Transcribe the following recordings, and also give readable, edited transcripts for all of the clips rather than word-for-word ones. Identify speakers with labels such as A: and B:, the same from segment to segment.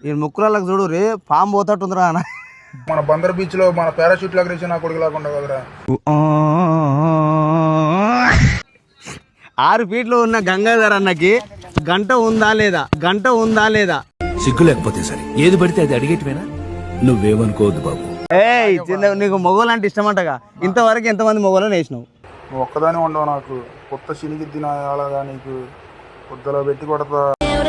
A: ఈ ముక్కులకు చూడు రే పాము పోతట్టుందిరా అన్న.
B: మన బందర్ బీచ్ లో మన పారాషూట్ లాగా నా కొడుకు లాకుండా కదరా.
A: 6 ఫీట్లు ఉన్న గంగాధర్ అన్నకి గంట ఉందా లేదా
C: సిగ్గు లేకపోతే సరే ఏది పడితే అది అడిగేటివేనా? నువ్వేమనుకోవద్దు బాబు.
A: చిన్న నీకు మొగోలు అంటే ఇష్టమంటగా. ఇంతవరకు ఎంతమంది మొగోలను వేసినావు?
B: నువ్వు ఒక్కదాని ఉండవు నాకు. కొత్త చినిగిద్ది నా అలాగా నీకు కొత్తలో పెట్టి కొడతా.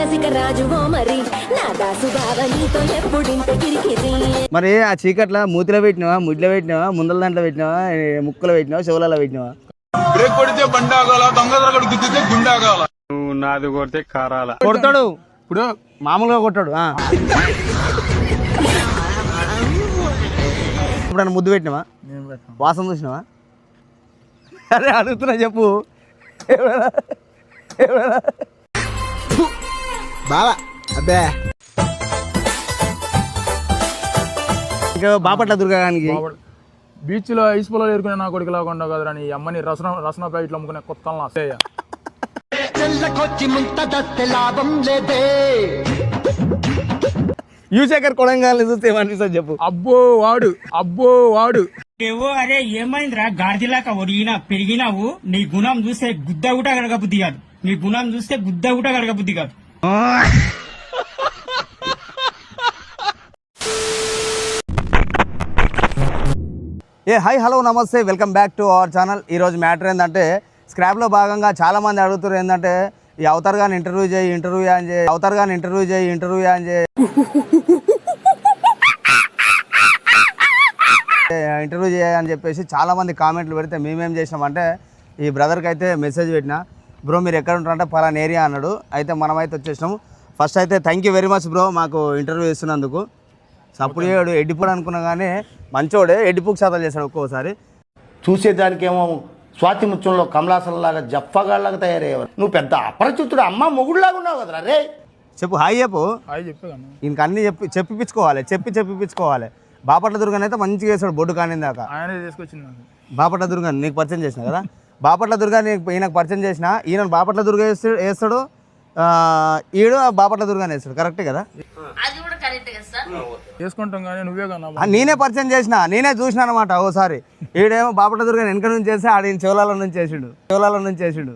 A: మరి ఆ చీకట్ల మూతిలో పెట్టినావా, ముడ్లో పెట్టినావా, ముందల దాంట్లో పెట్టినావా, ముక్కులో పెట్టినావా, చెవులలో పెట్టినావా?
B: బ్రేక్ కొడితే బండి ఆగాల, దొంగ గుద్దితే గుండె ఆగాల.
D: నువ్వు నాది కొడితే కారాల
A: కొడతాడు.
B: ఇప్పుడు
A: మామూలుగా కొట్టాడు. ఇప్పుడు ముద్దు పెట్టినావా, వాసన చూసినావా? అరే అడుగుతున్నా చెప్పు. బావా అబ్బే ఇంకా బాపట్ల దుర్గానికి
B: బీచ్ లో ఐస్ పొలాలు ఏరుకునే నా కొడుకు లాగా కదరా. నీ అమ్మని రసన ప్యాకెట్లు అమ్ముకునే కొత్త అసేయ.
A: యూశేఖర్ కొడంగాల్ని చూస్తే ఏమనిపిస్తుంది చెప్పు.
B: అబ్బో వాడు
E: అరే ఏమైందిరా గాడిలాక ఒరిగినా పెరిగినావు. నీ గుణం చూస్తే గుద్ద కూడా గడగ బుద్ధి కాదు. నీ గుణం చూస్తే గుద్ద కూడా గడగ బుద్ధి కాదు.
A: హాయ్ హలో నమస్తే, welcome back to our channel. ఈరోజు మ్యాటర్ ఏంటంటే స్క్రాప్లో భాగంగా చాలామంది అడుగుతారు ఏంటంటే ఈ అవతార్ గాని ఇంటర్వ్యూ చేయి అని చెప్పేసి చాలామంది కామెంట్లు పెడితే మేమేం చేసినామంటే ఈ బ్రదర్కి అయితే మెసేజ్ పెట్టినా, బ్రో మీరు ఎక్కడ ఉంటారంటే పలానా ఏరియా అన్నాడు. అయితే మనమైతే వచ్చేసినాము. ఫస్ట్ అయితే thank you very much bro మాకు ఇంటర్వ్యూ ఇస్తున్నందుకు. సప్పుడు చేయడు, ఎడ్డిపోడు అనుకున్నా కానీ మంచోడే, ఎడ్డిపుక్ శాతాలు చేశాడు ఒక్కోసారి.
F: చూసేదానికేమో స్వాతి ముత్యంలో కమలాసనలాగా జప్పగాళ్ళగా తయారయ్యేవారు. నువ్వు పెద్ద అపరిచితుడు అమ్మ మొగుడులాగా ఉన్నావు కదరా రే.
A: చెప్పు హాయ్ చెప్పు. ఇంక అన్ని చెప్పిపించుకోవాలి. బాపట్ల దుర్గాని అయితే మంచిగా వేసాడు బొడ్డు కాని దాకా. బాపట్ల దుర్గాని నీకు పరిచయం చేసిన కదా. బాపట్ల దుర్గాని ఈయనకు పరిచయం చేసిన, ఈయన బాపట్ల దుర్గా వేస్తాడు, ఈడు బాపట్ల దుర్గాని వేస్తాడు. కరెక్టే కదా?
B: చేసుకుంటాం కానీ నువ్వే కదా.
A: నేనే పరిచయం చేసిన, నేనే చూసిన అనమాట. ఓసారి ఈడేమో బాపట్ల దుర్గాని వెనక నుంచి చేస్తే ఆడ చెవులాల నుంచి చేసిండు.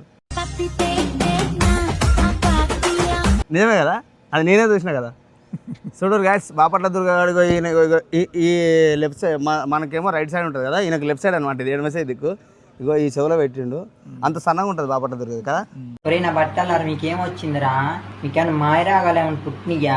A: నిజమే కదా, అది నేనే చూసిన కదా. చూడరు గాయస్, బాపట్ల దుర్గా ఈ లెఫ్ట్ సైడ్ మనకేమో రైట్ సైడ్ ఉంటుంది కదా, ఈయనకు లెఫ్ట్ సైడ్ అనమాట. ఇది ఎడమ సైడ్ దిక్కు. ఇగో ఈ చెవులో పెట్టిండు. అంత సన్నగా ఉంటుంది బాపట్ల దుర్గ కదా.
G: నా బట్టలు మీకేమొచ్చిందిరా? మీకేమన్నా మాయరాగాలేమని పుట్టినయా?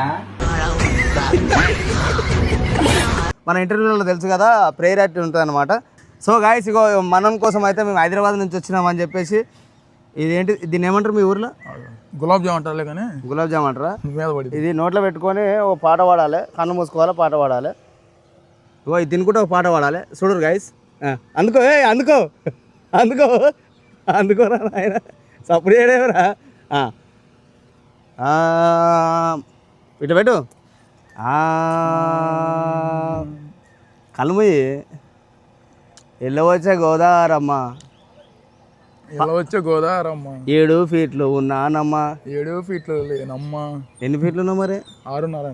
A: మన ఇంటర్వ్యూలో తెలుసు కదా ప్రేయర్ ఉంటుంది అనమాట. సో గాయస్ ఇగో మనం కోసం అయితే మేము హైదరాబాద్ నుంచి వచ్చినామని చెప్పేసి, ఇదేంటి దీన్ని ఏమంటారు మీ ఊర్లో?
B: గులాబ్ జామ్ అంటారులే కానీ.
A: గులాబ్ జామ్ అంటారా? ఇది నోట్లో పెట్టుకొని ఓ పాట పాడాలి, కన్ను మూసుకోవాలి, పాట పాడాలి. ఇగో ఇది తినుకుంటే ఒక పాట పాడాలి. చూడరు గాయస్. అందుకోరా ఆయన సప్పుడు చేయడేవరా. ఇటు పెట్టు. కలుముయి ఎల్లవచ్చే గోదావరమ్మ 7 ఫీట్లు ఉన్నానమ్మా.
B: 7 ఫీట్లు లేనమ్మా.
A: ఎన్ని ఫీట్లు ఉన్నావు మరి?
B: 6.5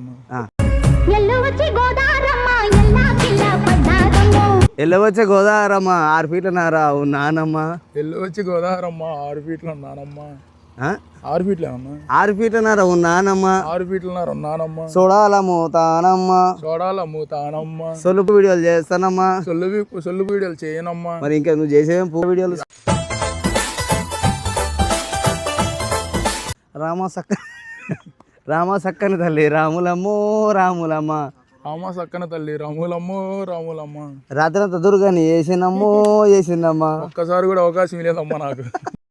A: ఎల్లవచ్చే గోదావరమ్మ 6 ఫీట్లన్నారా ఉన్నానమ్మా.
B: ఎల్లవచ్చి గోదావరమ్మ 6 ఫీట్లు ఉన్నానమ్మా. 6 ఫీట్లేనమ్మా.
A: 6 ఫీట్లన్నారా ఉన్నానమ్మా.
B: 6 ఫీట్లున్నారన్నానమ్మా.
A: చూడాలమ్ముతానమ్మా. సొల్లుపు వీడియోలు చేస్తానమ్మా.
B: సొల్లు వీడియోలు చేయనమ్మా.
A: మరి ఇంకా నువ్వు చేసేవేం పూ వీడియోలు? రామ సక్కని తల్లి రాములమ్మో రాములమ్మ.
B: సక్కన తల్లి రాములమ్మ.
A: రాత్రంతా దుర్గాని వేసిందమ్మా.
B: ఒక్కసారి కూడా అవకాశం లేదమ్మా నాకు.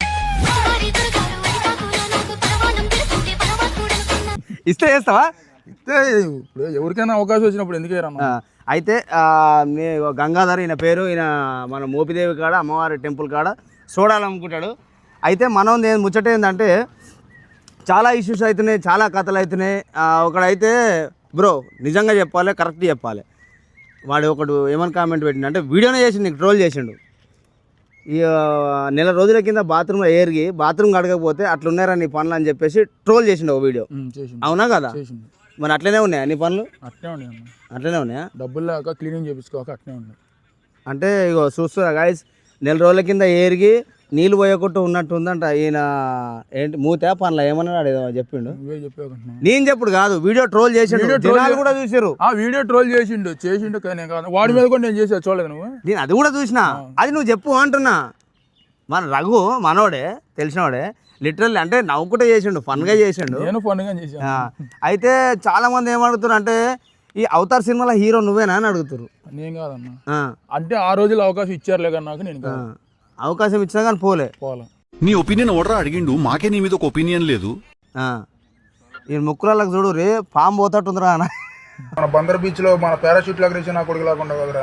A: ఇస్తే చేస్తావా?
B: ఇస్తే ఇప్పుడు ఎవరికైనా అవకాశం వచ్చినప్పుడు ఎందుకే రా.
A: అయితే గంగాధర్ ఈయన పేరు. ఈయన మన మోపిదేవి కాడ అమ్మవారి టెంపుల్ కాడ చూడాలనుకుంటాడు. అయితే మనం ముచ్చట ఏంటంటే చాలా ఇష్యూస్ అవుతున్నాయి, చాలా కథలు అవుతున్నాయి. ఒకడైతే బ్రో నిజంగా చెప్పాలి, కరెక్ట్ చెప్పాలి. ఒకడు ఏమని కామెంట్ పెట్టిండు అంటే వీడియోనే చేసిండు, నీకు ట్రోల్ చేసిండు. ఈ నెల రోజుల కింద బాత్రూమ్ ఏరిగి బాత్రూమ్ కడగకపోతే అట్లున్నారా నీ పనులు అని చెప్పేసి ట్రోల్ చేసిండు ఒక వీడియో. అవునా కదా? మరి అట్లనే ఉన్నాయా నీ పనులు?
B: అట్నే ఉండే అన్న,
A: అట్లనే ఉన్నాయా?
B: డబ్బులు లేక క్లీనింగ్ చేయించుకోక అట్నే ఉండే.
A: అంటే ఇగో చూస్తున్నా గాయస్, నెల రోజుల కింద ఏరిగి నీళ్ళు పోయకుండా ఉన్నట్టు ఉందంట. ఈయన ఏంటి మూత పనులు ఏమన్నాడు ఏదో చెప్పిండు.
B: నువ్వే చెప్పావుకుంటున్నావు.
A: నేను చెప్పుడు కాదు, వీడియో ట్రోల్ చేసిండు, జనాలు కూడా చూసారు.
B: ఆ వీడియో ట్రోల్ చేసిండు కానీ కాదు వాడి మీద కూడా నేను చేసా చూడలేదు నువ్వు.
A: నేను అది కూడా చూసినా, అది నువ్వు చెప్పు అంటున్నా. మన రఘు మనోడే, తెలిసినవాడే, లిటరల్లీ అంటే నవ్వుకుంటే చేసిండు, ఫన్గా చేసిండు.
B: నేను ఫన్గా చేసాను.
A: అయితే చాలా మంది ఏమడుగుతారు అంటే ఈ అవతార్ సినిమాలో హీరో నువ్వేనా అని అడుగుతారు.
B: నేను కాదన్నా, అంటే ఆ రోజుల్లో అవకాశం ఇచ్చారులే కానీ నాకు, నేను కాదు.
A: అవకాశం ఇచ్చినా కానీ పోలే.
C: నీ ఒపీనియన్ ఓడరా అడిగిండు, మాకే నీ మీద ఒక ఒపీనియన్ లేదు.
A: ఈ ముక్కురాళ్ళకి చూడు రే, పాము పోతట్టుందిరా అన్న.
B: మన బందర్ బీచ్ లో మన పారాషూట్ లాగా నా కొడుకు లాకుండా కదరా.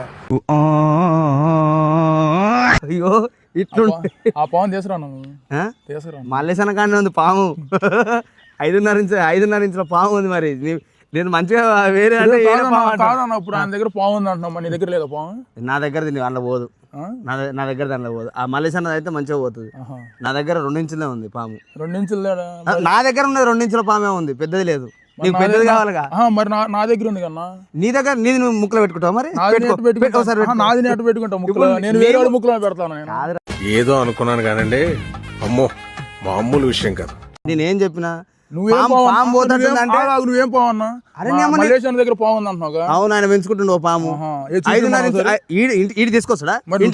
A: అయ్యో ఇట్లు
B: ఆ పాము తీసుకురా నువ్వు, తీసుకురా.
A: మల్లేసన కానీ ఉంది పాము. 5.5 ఇంచుల పాము ఉంది. మరి నేను మంచిగా వేరే అంటే
B: కాదన్న, ఇప్పుడు ఆయన దగ్గర పాము ఉంది అంటున్నావు, నీ దగ్గర లేదా పాము?
A: నా దగ్గర అందులో పోదు, నా దగ్గర దాంట్లో పోదు. ఆ మల్లేసన్న అయితే మంచిగా పోతుంది. నా దగ్గర 2 ఇంచులే ఉంది పాము.
B: 2 ఇంచులు
A: నా దగ్గర ఉన్నది 2 ఇంచుల పామే ఉంది, పెద్దది లేదు. నీకు పెద్దది కావాలిగా?
B: మరి నా దగ్గర ఉంది కన్నా.
A: నీ దగ్గర నీది నువ్వు ముక్కలు పెట్టుకుంటావు. మరి
B: నాది నేటు పెట్టుకుంటా ముక్కలు, నేను వేరే ముక్కలు పెడతాను.
H: ఏదో అనుకున్నాను కానండి, అమ్మో మామూలు విషయం కాదు.
A: నేనేం చెప్పినా
B: నువ్వేం పోవన్నా? మల్లేశ్వరం దగ్గర పోవుంది అంటున్నావు.
A: అవును, ఆయన పెంచుకుంటుండు ఓ పాము. 5.5 ఇంటికి తీసుకొస్తాడా?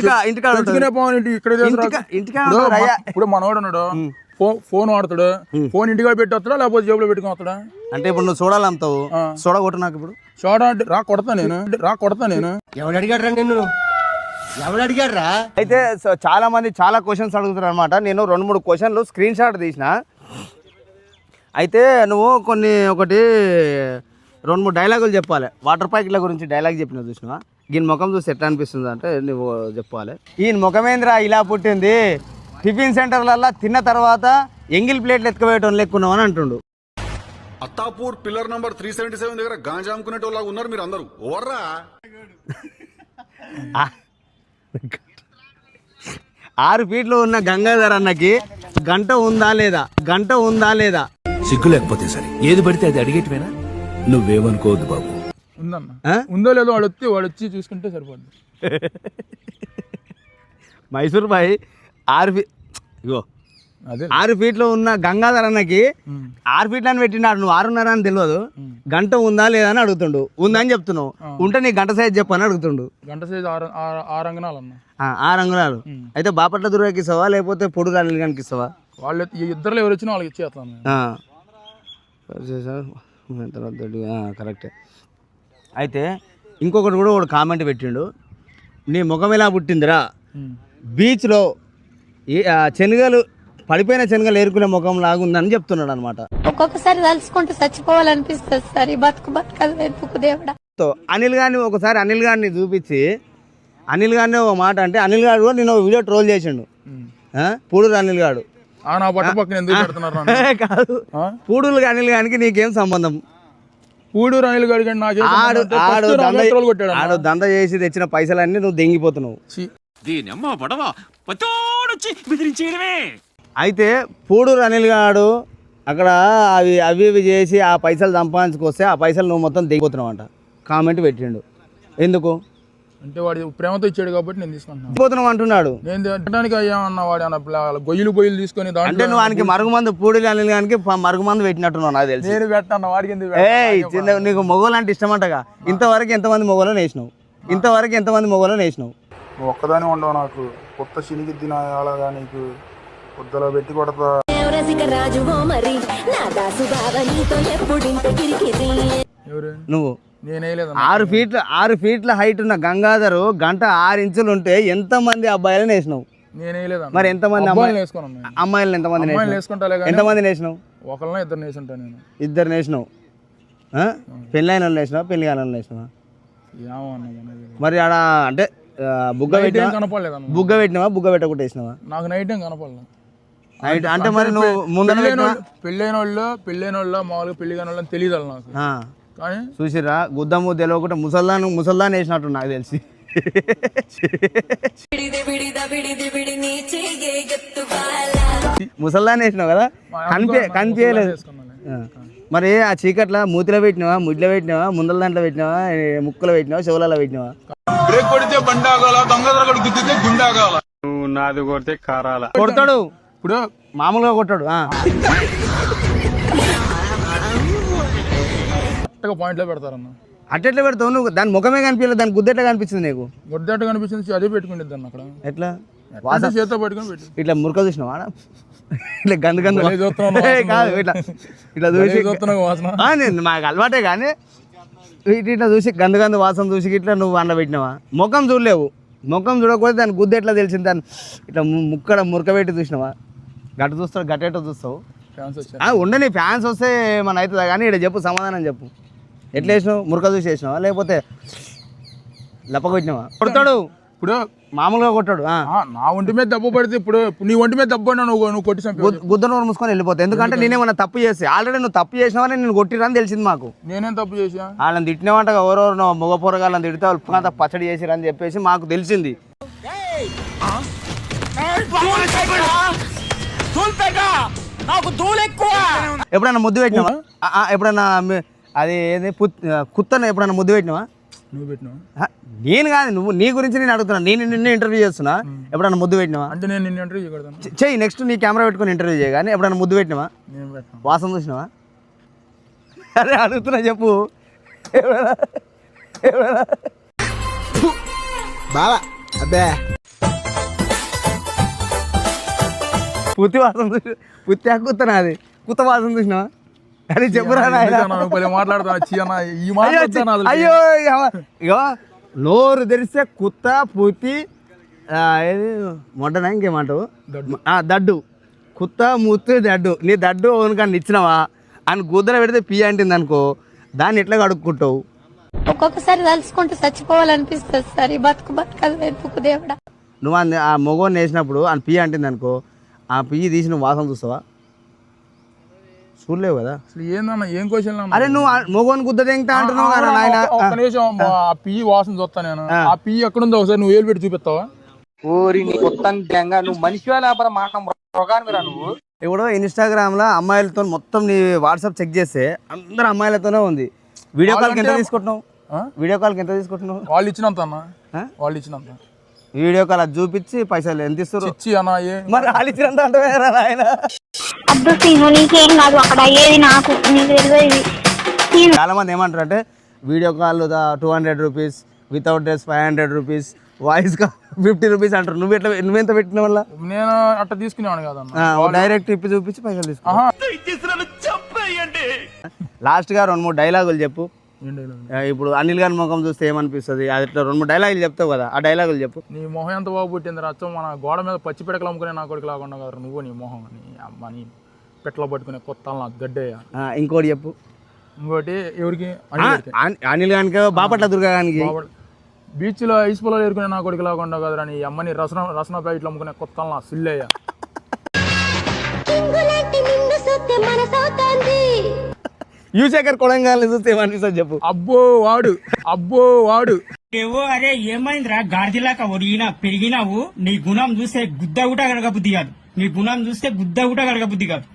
B: ఇప్పుడు మనోడు ఉన్నాడు, ఫోన్ వాడతాడు, ఫోన్ ఇంటికి పెట్టి వస్తాడా లేకపోతే జేబులో పెట్టుకుని వస్తాడా?
A: అంటే ఇప్పుడు నువ్వు చూడాలి అమ్ముతావు, చూడగొట్టు నాకు. ఇప్పుడు
B: చూడ అంటే కొడతా నేను.
F: ఎవడు అడిగాడు రా నిన్ను? ఎవడు అడిగాడు రా?
A: అయితే చాలా మంది చాలా క్వశ్చన్స్ అడుగుతారు అనమాట. నేను 2-3 క్వశ్చన్లు స్క్రీన్ షాట్ తీసిన. అయితే నువ్వు ఒకటి 2-3 డైలాగులు చెప్పాలి. వాటర్ ప్యాకెట్ల గురించి డైలాగ్ చెప్పిన చూసినా, ఈయన ముఖం చూసి ఎట్లా అనిపిస్తుంది అంటే నువ్వు చెప్పాలి. ఈయన ముఖమేంద్రా ఇలా పుట్టింది, టిఫిన్ సెంటర్లల్లో తిన్న తర్వాత ఎంగిల్ ప్లేట్లు ఎత్తుకుపోయేటోళ్ళు లెక్కున్నావు అని అంటుండు.
C: అత్తాపూర్ పిల్లర్ నంబర్ 377 దగ్గర గాంజా అమ్ముకునేటోళ్ళగా ఉన్నారు మీరు అందరూ. ఓవర్రా
A: 6 ఫీట్లు ఉన్న గంగాధర్ అన్నకి గంట ఉందా లేదా?
C: సిగ్గు లేకపోతే సరే, ఏది పడితే అది అడిగేటివేనా? నువ్వేమనుకోవద్దు బాబు.
B: ఉందన్న, ఉందో లేదో వాడు వచ్చి చూసుకుంటే సరిపోద్ది.
A: మైసూర్ బాయ్ 6 ఫీట్లో ఉన్న గంగాధర్ అన్నకి 6 ఫీట్లు అని పెట్టినాడు, నువ్వు 6.5 అని తెలియదు. గంట ఉందా లేదా అని అడుగుతుండు. ఉందని చెప్తున్నావు, ఉంటే నీ గంట సైజ్ చెప్పని అడుగుతుండు.
B: గంట సైజ్ 6 అంగనాలు అన్న.
A: 6 అంగుళాలు. అయితే బాపట్ల దుర్గకి ఇస్తావా లేకపోతే పొడుగు అనిల్గానికి ఇస్తావా?
B: వాళ్ళు ఇద్దరు ఎవరు వచ్చినా వాళ్ళకి ఇచ్చేస్తాను.
A: కరెక్టే. అయితే ఇంకొకటి కూడా ఒక కామెంట్ పెట్టిండు, నీ ముఖం ఎలా పుట్టిందిరా, బీచ్లో శనగలు పడిపోయిన శనగలు ఏరుకునే ముఖం లాగుందని చెప్తున్నాడు అనమాట.
I: ఒక్కొక్కసారి తలుచుకుంటూ చచ్చిపోవాలనిపిస్తుంది సార్, ఈ బతుకదు ఎందుకు దేవుడా.
A: అనిల్ గారిని చూపించి అనిల్ గారిని ఒక మాట అంటే, అనిల్ గారు కూడా నేను వీడియో ట్రోల్ చేసిండు. పూడూరు అనిల్ గారు కాదు, పూడూరు అనిల్ గారికి నీకేం సంబంధం?
B: పూడూరు అనిల్ గారికి
A: ఆడు దంద చేసి తెచ్చిన పైసలన్నీ నువ్వు దెంగిపోతున్నావు. అయితే పూడూరు అనిల్ గారు అక్కడ అవి చేసి ఆ పైసలు సంపాదించుకొస్తే ఆ పైసలు నువ్వు మొత్తం దిగిపోతున్నావు అంట. కామెంట్ పెట్టిండు. ఎందుకు
B: అంటే వాడి ప్రేమతో ఇచ్చాడు కాబట్టి నేను తీసుకుంటున్నాను.
A: పోతున్నావు అంటున్నాడు.
B: నేను తినడానికి అయ్యామన్నా వాడు గొయ్యిలు తీసుకొని
A: అంటే నువ్వు ఆయనకి మరుగుమందు పూడూరు అనిల్ గారికి మరుగుమందు పెట్టినట్టున్నావు నాకు తెలిసి.
B: నేను పెట్టాను వాడికి.
A: నీకు మొగోలు అంటే ఇష్టం అంటగా. ఇంతవరకు ఎంతమంది మొగోలను వేసినావు?
B: ఒక్కదాని ఉండవు నాకు. కొత్త చినికి తినాలగా నీకు పొద్దులో పెట్టి కొడతా.
A: నువ్వు
B: నేనే
A: 6 ఫీట్ల హైట్ ఉన్న గంగాధర్ గంట 6 ఇంచులు ఉంటే ఎంతమంది అబ్బాయిలను వేసినావు?
B: నేనే లేదా.
A: మరి ఎంతమంది అమ్మాయిలను
B: వేసుకుంటా?
A: ఎంతమంది వేసినావు?
B: ఒకళ్ళ 2 వేసుంటా నేను.
A: 2 వేసినావు. పెళ్ళైన వాళ్ళు వేసినావా, పెళ్లి కాని వాళ్ళు వేసినావా? మరి ఆడ అంటే బుగ్గ పెట్టినావా, బుగ్గ పెట్టకుండా వేసినావా?
B: నాకు నైట్ ఏం కనపడలేదు.
A: నైట్ అంటే మరి నువ్వు ముందు
B: పెళ్ళైన వాళ్ళు మామూలుగా పెళ్లి కాని వాళ్ళని తెలియదు నాకు. కానీ
A: చూసిరా, గుద్దము తెలియకుండా ముసల్దాన్ వేసినట్టు నాకు తెలిసి. ముసల్దాన్ వేసినావు కదా, కనిపించలేదు. మరి ఆ చీకట్ల మూతిలో పెట్టినావా, ముడ్లో పెట్టినావా, ముందల దాంట్లో పెట్టినావా, ముక్కులో పెట్టినావా, చెవులలో పెట్టినావా?
B: బ్రేక్ కొడితే బండి ఆగాల, దొంగ గుద్దితే గుండె ఆగాల.
D: నువ్వు నాది కొడితే కారాల.
A: కొడతాడు,
B: ఇప్పుడు
A: మామూలుగా కొట్టాడు.
B: కరెక్ట్గా పాయింట్లో పెడతారన్న.
A: అట్టెట్లా పెడతావు నువ్వు? దాని ముఖమే కనిపించలేదు, దాని గుద్దెట్లా కనిపించింది నీకు?
B: గుడ్డట కనిపించింది, అదే పెట్టుకుంటుంది అన్న. అక్కడ
A: ఎట్లా
B: వాసన చేతితో పట్టుకొని పెట్టి
A: ఇట్లా మురక చూసినావా? ఇట్లా గందు గందు
B: భలే చూస్తున్నావు నువ్వు వాసన.
A: కాదు, ఇట్లా ఇట్లా చూసి
B: చూస్తున్నావు వాసన.
A: నేను మాకు అలవాటే కానీ ఇట్లా చూసి గందు గందు వాసన చూసి ఇట్లా నువ్వు అండ పెట్టినావా? ముఖం చూడలేవు, ముఖం చూడకపోతే దాని గుద్ద ఎట్లా తెలిసింది? దాన్ని ఇట్లా ముక్కడ మురకబెట్టి చూసినావా? గట్ట చూస్తావు, గట్టేటో చూస్తావు.
B: ఫ్యాన్స్ వచ్చారు.
A: ఉండని ఫ్యాన్స్ వస్తే మన అవుతుందా? కానీ ఇక్కడ చెప్పు, సమాధానం చెప్పు. ఎట్లా వేసినావు? మురక చూసి వేసినావా లేకపోతే లప్పకొట్టినావా? కొడతాడు,
B: ఇప్పుడు
A: మామూలుగా కొట్టాడు.
B: నా ఒంటి మీద దెబ్బ పడితే ఇప్పుడు నీ ఒంటి మీద దెబ్బ పడినా నువ్వు కొట్టి చంపావు.
A: గుద్ద నోరు మూసుకొని వెళ్ళిపోతాయి. ఎందుకంటే నేనేమన్నా తప్పు చేసి ఆల్రెడీ నువ్వు తప్పు చేసినావని నేను కొట్టిరని తెలిసింది మాకు.
B: నేనేం తప్పు చేసా?
A: వాళ్ళని తిట్టినామంట, ఎవరెవరు మగ పొరగాళ్ళని తిడితే ఉప్పుకంతా పచ్చడి చేసిరని చెప్పేసి మాకు తెలిసింది. ఎప్పుడన్నా ముద్దు పెట్టినావా? ఎప్పుడన్నా అది ఏది కుత్తను ఎప్పుడన్నా ముద్దు పెట్టినావా?
B: నువ్వు పెట్టినావు.
A: నేను కాదు, నువ్వు నీ గురించి నేను అడుగుతున్నా. నేను నిన్ను ఇంటర్వ్యూ చేస్తున్నా. ఎప్పుడన్నా ముద్దు పెట్టినావా?
B: అంటే నేను నిన్ను ఇంటర్వ్యూ చేయకూడదు.
A: చెయ్యి, నెక్స్ట్ నీ కెమెరా పెట్టుకుని ఇంటర్వ్యూ చేయ. కానీ ఎప్పుడన్నా ముద్దు పెట్టినావా?
B: నేను పెట్టాను.
A: వాసన చూసినావా? అదే అడుగుతున్నా, చెప్పు.
F: బావా అబ్బే
A: పుత్తి వాసన చూసి పుత్తి కుత్తనా? అది కుత్త వాసన చూసినావా? అది చెప్పురా నాయనా.
B: మాట్లాడతాను.
A: అయ్యో ఇగో నోరు తెరిస్తే కుత్త, పూతి, ఏది మొట్టనా ఇంకేమంటావు? దడ్డు. కుత్త, ముత్తు, దడ్డు. నీ దడ్డు ఓనుకన్నా ఇచ్చినావా అని గుద్దర పెడితే పీ అంటుంది అనుకో, దాన్ని ఎట్లా కడుక్కుంటావు?
I: ఒక్కొక్కసారి తలుచుకుంటూ చచ్చిపోవాలనిపిస్తుంది సార్. ఈ బతుకు బతకదు ఎందుకు దేవుడా?
A: నువ్వు ఆ మొగోని వేసినప్పుడు అని పీ అంటుంది అనుకో, ఆ పియ్యి తీసి నువ్వు వాసన చూస్తావా? చూడలేవు కదా.
B: అసలు ఏందన్నా, ఏం క్వశ్చన్?
A: అరే నువ్వు మొగోని గుద్ద తెంగుతా అంటున్నావు కదా నాయన.
B: ఒక్క నిమిషం, ఆ పియ్యి వాసన చూస్తా నేను. ఆ పియ్యి ఎక్కడుందో ఒకసారి నువ్వు వేలు పెట్టి చూపిస్తావా?
G: నువ్వు మనిషి లేకపోతే మాట మృగానివిరా నువ్వు.
A: ఇప్పుడు ఇన్స్టాగ్రామ్లో అమ్మాయిలతో మొత్తం నీ వాట్సాప్ చెక్ చేస్తే అందరు అమ్మాయిలతోనే ఉంది. వీడియో కాల్కి ఎంత తీసుకుంటున్నావు? వీడియో కాల్కి ఎంత తీసుకుంటున్నావు?
B: వాళ్ళు ఇచ్చినంత అన్న, వాళ్ళు ఇచ్చినంత.
A: వీడియో కాల్ అది చూపించి పైసలు ఎంత ఇస్తారు?
B: ఇచ్చి అన్న
A: మరి వాళ్ళు ఇచ్చినంత అంటే ఆయన
I: నీకేం కాదు అక్కడ అయ్యేది, నాకు నీకు తెలియదు.
A: చాలా మంది ఏమంటారు అంటే video call 200 rupees, without dress 500 rupees, voice call 50 rupees అంటారు. నువ్వెంత పెట్టిన వల్ల?
B: నేను అట్లా తీసుకునేవాడు కాదన్న.
A: డైరెక్ట్ ఇప్పి చూపించి పైసలు తీసుకో. లాస్ట్గా 2-3 డైలాగులు చెప్పు. ఇప్పుడు అనిల్ గారి ముఖం చూస్తే ఏమనిపిస్తుంది? అది ఇట్లా 2-3 డైలాగులు చెప్తావు కదా, ఆ డైలాగులు చెప్పు.
B: నీ మొహం ఎంత బాగు పుట్టింది రచ్చం. మన గోడ మీద పచ్చి పిడకలు అమ్ముకునే నా కొడుకు లాగా కదా నువ్వు. నీ మొహం నీ అమ్మ, నీ పెట్టలో పట్టుకునే కొత్త నాకు గడ్డయ్యా.
A: ఇంకోటి చెప్పు.
B: ఇంకోటి ఎవరికి?
A: అనిల్ గానికి, బాపట్ల దుర్గా గానికి.
B: బీచ్లో ఐస్ పొలాలు ఎరుకునే నా కొడుకు లాగా ఉండవు కదరా. నీ అమ్మని రసన ప్యాకెట్లు అమ్ముకునే కొత్త నా సిల్లయ్యా.
A: యూశేఖర్ కొడంగాల్ని చూస్తే ఏమనిపిస్తుంది చెప్పు.
B: అబ్బో వాడు
E: ఏవో అరే ఏమైందిరా గాడిలాక ఒరిగినా పెరిగినావు. నీ గుణం చూస్తే గుద్ద గుట గడగ బుద్ధి కాదు. నీ గుణం చూస్తే గుద్ద గుట గడగ బుద్ధి కాదు.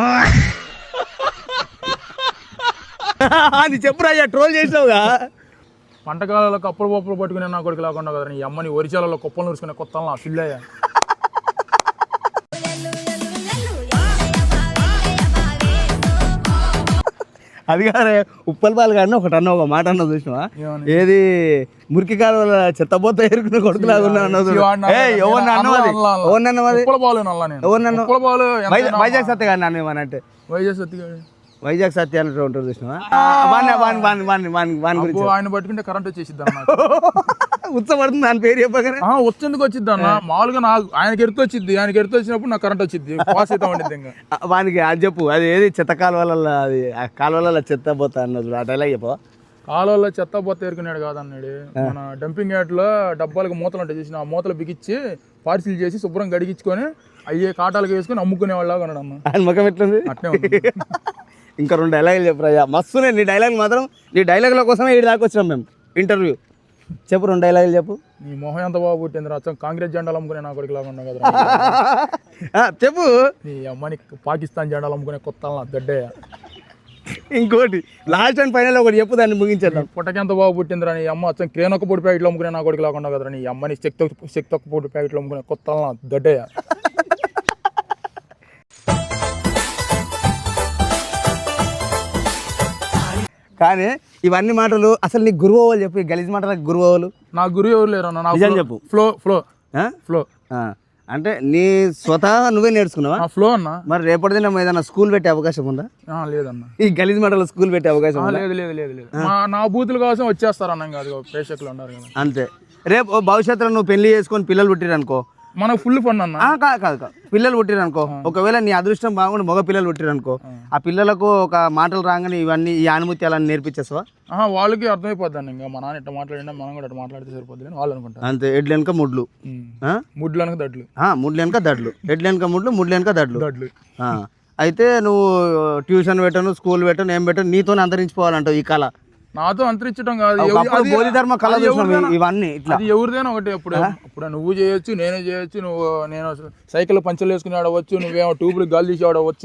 A: అది చెప్పురా, ట్రోల్ చేసినావుగా.
B: పంటకాలలో కప్పులు పప్పులు పట్టుకునే నా కొడుకు లాగా ఉండవు కదా. నీ అమ్మని ఒరిచాలలో కుప్పలు నూరుకునే కొత్త నా సిల్లయ్యా.
A: అది కాదే ఉప్పల్ కానీ ఒకటి అన్న, ఒక మాట అన్న చూసినావా? ఏది మురికి కాలువల చెత్తబోత ఎరుకున్న కొడుకులాగా వైజాగ్ సత్య కానీ నన్ను ఏమనంటే వైజాగ్ సత్య అన్నట్టు ఉంటారు చూసినావా?
B: ఆయన పట్టుకుంటే కరెంట్ వచ్చేసిద్ది
A: ఉత్సపడుతుంది దాని పేరు చెప్పగానే.
B: వచ్చేందుకు వచ్చిద్ది అన్న. మామూలుగా నాకు ఆయనకి ఎరుతు వచ్చింది. ఆయనకి ఎరుతు వచ్చినప్పుడు నాకు కరెంట్ వచ్చింది. పాస్ అవుతా ఉండేది ఇంకా.
A: వానికి అది చెప్పు. అది ఏది చెత్త కాలువల, అది కాలువల చెత్త పోతా అన్నది ఆ డైలాగ్ చెప్పు.
B: కాలువల్లో చెత్త పోత ఎరుకున్నాడు కాదన్నాడు. మన డంపింగ్ యార్డ్ లో డబ్బాలకు మూతలు ఉంటాయి చూసిన, ఆ మూతలు బిగించి పార్సిల్ చేసి శుభ్రం గడిగించుకొని అయ్యే కాటాలకు వేసుకొని అమ్ముకునే వాళ్ళగా ఉన్నాడు అన్న.
A: ఆయన ముఖం ఎట్లుంది?
B: అట్నే ఉంది.
A: ఇంకా 2 డైలాగులు చెప్పరా. మస్తునే నీ డైలాగ్ మాత్రం. నీ డైలాగుల కోసమే ఈ దాకా వచ్చినాం మేము ఇంటర్వ్యూ. చెప్పు, 2 డైలాగులు చెప్పు.
B: నీ మొహం ఎంత బాగా పుట్టింది రచ్చం. కాంగ్రెస్ జెండాలు అమ్ముకునే నా కొడుకు లాగా ఉన్నావు కదా.
A: చెప్పు.
B: నీ అమ్మని పాకిస్తాన్ జెండాలు అమ్ముకునే కొత్త నా గడ్డయ్య.
A: ఇంకోటి లాస్ట్ అండ్ ఫైనల్ ఒకటి చెప్పు, దాన్ని ముగించేద్దాం.
B: పుట్టకెంత బాగా పుట్టిందిరా నీ అమ్మ అచ్చం క్రేన్ ఒక్క పొడి ప్యాకెట్లు అమ్ముకునే నా కొడుకు లేకుండా కదరా నీ అమ్మని శక్తి ఒక్క పొడి ప్యాకెట్లు అమ్ముకునే కొత్త దొడ్డయ్య.
A: కానీ ఇవన్నీ మాటలు అసలు నీకు గురువు వాళ్ళు చెప్పు, ఈ గలీజ్ మాటలకు గురువు వాళ్ళు.
B: నా గురువు ఎవరు లేరు అన్న.
A: నిజం చెప్పు.
B: ఫ్లో
A: అంటే నీ స్వతహా నువ్వే నేర్చుకున్నావా?
B: ఫ్లో అన్న.
A: మరి రేపటి దినం ఏదైనా స్కూల్ పెట్టే అవకాశం ఉందా?
B: లేదన్న.
A: ఈ గలీజ్ మాటలు స్కూల్ పెట్టే అవకాశం ఉందా?
B: లేదు. నా బూతుల కోసం వచ్చేస్తారన్న, కాదు ప్రేక్షకులు ఉన్నారు కదా.
A: అంతే. రేపు భవిష్యత్తులో నువ్వు పెళ్లి చేసుకొని పిల్లలు పుట్టిరనుకో,
B: మనకు ఫుల్ ఫన్ అన్న.
A: కాదు పిల్లలు పుట్టిరనుకో, ఒకవేళ నీ అదృష్టం బాగుండి మగ పిల్లలు పుట్టిరనుకో, ఆ పిల్లలకు ఒక మాటలు రాగానే ఇవన్నీ ఈ ఆనుమత్యాలన్నీ నేర్పించేస్తావా?
B: వాళ్ళకి అర్థమైపోద్ది అన్న. ఇంకా మా నాన్న ఇట్లా మాట్లాడినా మనం కూడా అట్లా మాట్లాడితే సరిపోద్ది అని వాళ్ళు అనుకుంటారు.
A: అంతే. ఎడ్లు వెనక ముడ్లు,
B: ముడ్లు వెనక దడ్లు,
A: ముడ్లు వెనక దడ్లు, ఎడ్లు వెనక ముడ్లు, ముడ్లు వెనక దడ్లు. అయితే నువ్వు ట్యూషన్ పెట్టను, స్కూల్ పెట్టను, ఏం పెట్టను, నీతోనే అంతరించిపోవాలంటావు ఈ కళ.
B: నాతో అంతరించడం కాదు,
A: బోధిధర్మ కళ ఇవన్నీ ఇట్లా.
B: అది ఎవరిదైనా ఒకటి. అప్పుడు నువ్వు చేయొచ్చు, నేనే చేయొచ్చు. నేను సైకిల్ పంచర్లు వేసుకుని ఆడవచ్చు, నువ్వేమో ట్యూబ్లు గాలి తీసి ఆడవచ్చు.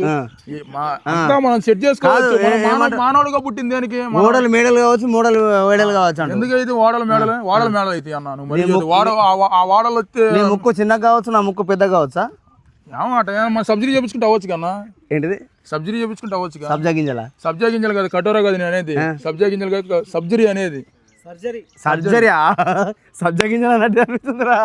B: మనం సెట్ చేసుకోవచ్చు. మానవుడిగా పుట్టింది దేనికి?
A: మోడల్ మేడలు కావచ్చు, మోడల్ వేడలు కావచ్చు.
B: ఎందుకైతే వాడల మేడలు అయితే అన్నాను. ఆ వాడలు వస్తే
A: నీ ముక్కు చిన్నగా కావచ్చు, నా ముక్కు పెద్దగా కావచ్చా?
B: మన సబ్సిడీ చేపించుకుంటే అవ్వచ్చు కన్నా.
A: ఏంటిది
B: సబ్సిడీ చేపించుకుంటే అవ్వచ్చు?
A: సబ్జా గింజల?
B: సబ్జా గింజలు కాదు, కటోరా కాదు నేను అనేది. సబ్జా గింజలు కాదు, సబ్సిడీ అనేది.
A: సర్జరీ సబ్జా గింజలు అన్నట్టు అనిపిస్తుందిరా.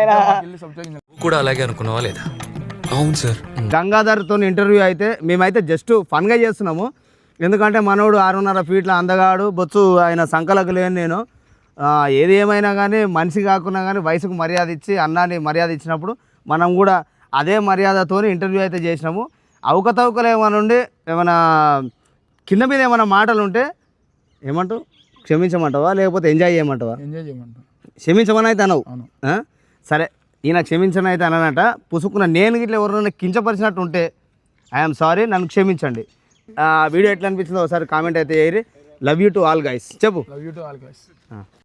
J: కూడా అలాగే అనుకున్నావా లేదా? అవును సార్.
A: గంగాధర్తో ఇంటర్వ్యూ అయితే మేమైతే జస్ట్ ఫన్గా చేస్తున్నాము. ఎందుకంటే మనోడు 6.5 ఫీట్ల అందగాడు, బొచ్చు ఆయన సంకలకు లేని నేను. ఏది ఏమైనా కానీ మనిషి కాకున్నా కానీ వయసుకు మర్యాద ఇచ్చి అన్నాన్ని మర్యాద ఇచ్చినప్పుడు మనం కూడా అదే మర్యాదతో ఇంటర్వ్యూ అయితే చేసినాము. అవకతవకలు ఏమైనా ఉండి ఏమైనా కింద మీద ఏమైనా మాటలు ఉంటే ఏమంటావు? క్షమించమంటావా లేకపోతే ఎంజాయ్ చేయమంటావా? క్షమించమని అయితే అనవు. సరే, ఈయన క్షమించని అయితే అననట. పుసుకున్న నేను గిట్ల ఎవరైనా కించపరిచినట్టు ఉంటే ఐఎమ్ సారీ, నన్ను క్షమించండి. వీడియో ఎట్లా అనిపించిందో ఒకసారి కామెంట్ అయితే చేయరి. Love you to all guys. చెప్పు.
B: Love you to all guys.